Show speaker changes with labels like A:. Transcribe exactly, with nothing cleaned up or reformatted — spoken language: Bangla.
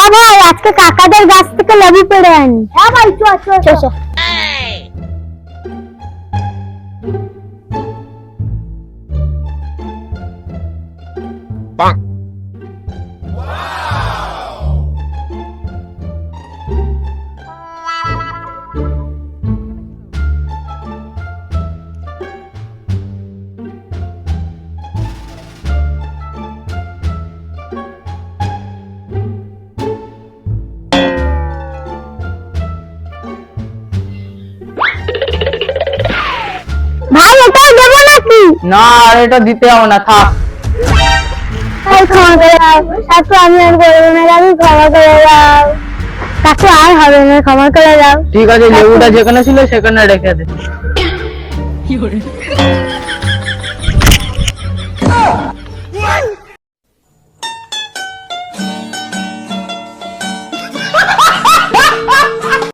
A: ভাই আজকে কাকাদের গাছ থেকে লেবু পেড়ে আনি। হ্যাঁ ভাই চল চল চল। ভাই এটা দেবো নাকি?
B: না আর এটা দিতে হবে না, থাক।
A: ভাই ক্ষমা করে দাও কাকু, আমি আর করবো না কাকু, ক্ষমা করে দাও কাকু, আর হবে না, ক্ষমা করে দাও।
B: ঠিক আছে, লেবুটা যেখানে ছিল সেখানে রেখে দে।